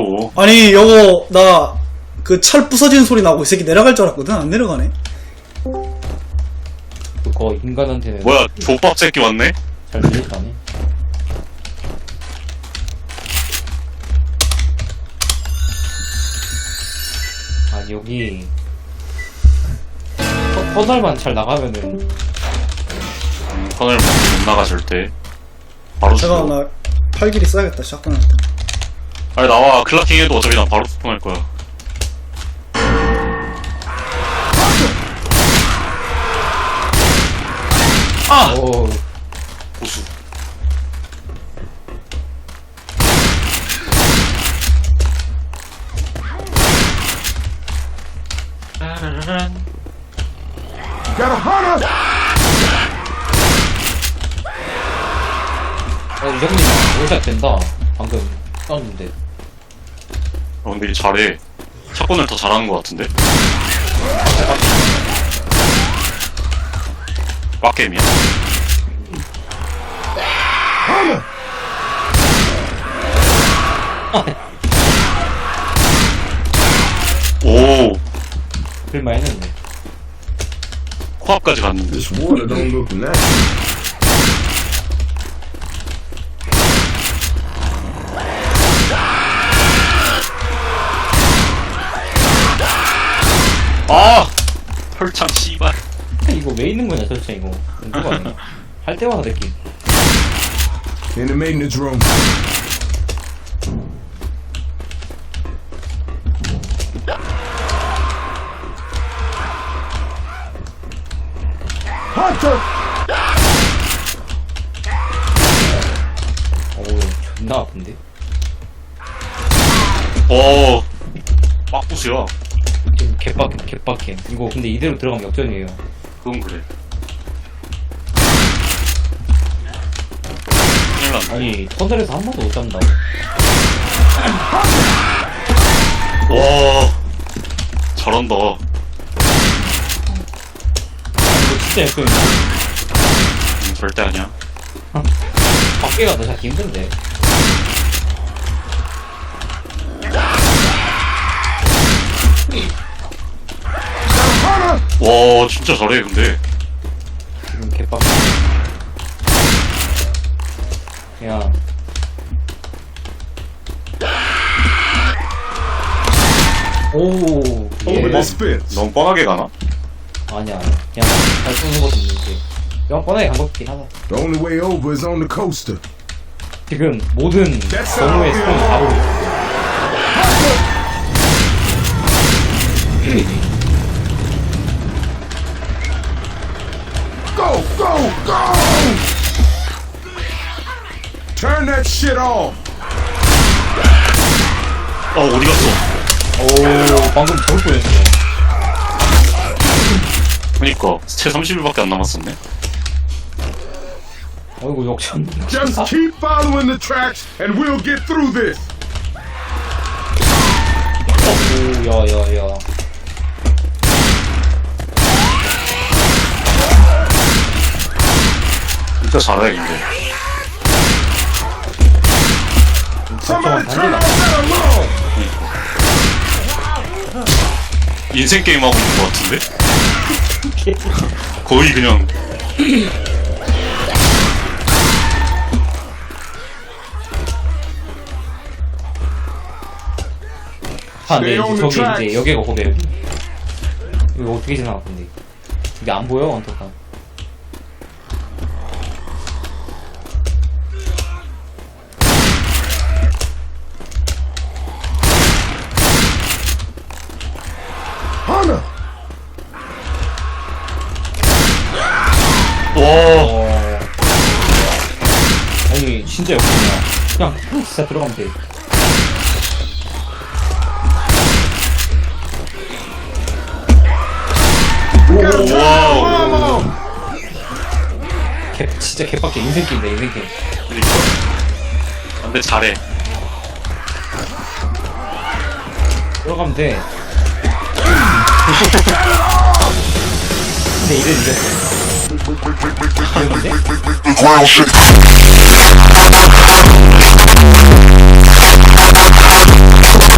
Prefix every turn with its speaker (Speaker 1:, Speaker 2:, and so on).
Speaker 1: 또.
Speaker 2: 아니 요거 나 그 철 부서지는 소리 나고 이 새끼 내려갈 줄 알았거든. 안 내려가네.
Speaker 3: 그거 인간한테는
Speaker 1: 뭐야, 족밥 새끼 왔네?
Speaker 3: 잘 들렸다네. 아 여기 터널만 잘 나가면은
Speaker 1: 터널 못 나가 절대. 바로
Speaker 2: 제가
Speaker 1: 죽어.
Speaker 2: 나 팔길이 써야겠다. 샷건 할 때.
Speaker 1: 아니 나와. 클라킹 해도 어차피 난 바로 소통할 거야. 아!
Speaker 3: 오
Speaker 1: 보수.
Speaker 3: 이정님 오샷 된다. 방금 떴는데.
Speaker 1: 근데 이 잘해. 샷건을 더 잘하는 것 같은데? 빡게임이야. 오,
Speaker 3: 글만 했는데.
Speaker 1: 코앞까지 갔는데.
Speaker 4: This water don't look natural.
Speaker 1: 아! 혈창 씨발.
Speaker 3: 이거 왜 있는 거냐 도대체 이거. 누가 하냐? 할 때마다 느낌.
Speaker 4: In the maintenance room. Hunter!
Speaker 3: 어우 존나 아픈데.
Speaker 1: 오, 빡부수야.
Speaker 3: 지금 개빡해. 이거 근데 이대로 들어가면 역전이에요.
Speaker 1: 그건 그래. 큰일 났네.
Speaker 3: 아니 터널에서 한 번도 못 잡는다고.
Speaker 1: 와, 잘한다.
Speaker 3: 이거 진짜 역전이야.
Speaker 1: 절대 아니야.
Speaker 3: 밖에 가도 잡기 힘든데.
Speaker 1: 와, 진짜 잘해, 근데.
Speaker 3: 지금 개빡해. 그냥 오
Speaker 4: Over
Speaker 3: 예.
Speaker 4: this fence.
Speaker 1: 너무 뻔하게 가나?
Speaker 3: 아니야 그냥 잘 쏘는 것도 있는데 그냥 뻔하게 간 것같긴 하다.
Speaker 4: The only way over is on the coaster.
Speaker 3: 지금 모든 경우의 스톤 다 보고
Speaker 4: Go, go, go! Turn that shit off.
Speaker 1: 어디 갔어?
Speaker 3: 오 방금 저럴 뻔했네.
Speaker 1: 그니까, 채 30일밖에 안 남았었네.
Speaker 3: 어이구 역전.
Speaker 4: Just keep following the tracks and we'll get through this.
Speaker 3: 오 야야야.
Speaker 1: 진짜 잘해, 근데.
Speaker 4: Somebody
Speaker 3: 잠깐만
Speaker 4: turn
Speaker 3: 반대다.
Speaker 4: off that alarm.
Speaker 1: 인생 게임 하고 있는 것 같은데? 거의 그냥.
Speaker 3: 아, 네, 저기 이제 여기가 거기 여기. 이거 어떻게 지나가 근데 이게 안 보여 언터가.
Speaker 4: Hunter!
Speaker 1: 와,
Speaker 3: 아니 진짜 역전이야. 그냥 진짜 들어가면 돼.
Speaker 4: We gotta turn that
Speaker 1: Whoa.
Speaker 4: alarm off.
Speaker 3: 진짜 개빡게 인생 게임이다 인생 게임.
Speaker 1: 그니까. 근데 잘해.
Speaker 3: 들어가면 돼. 근데 이래 이겼어. 이겼는데?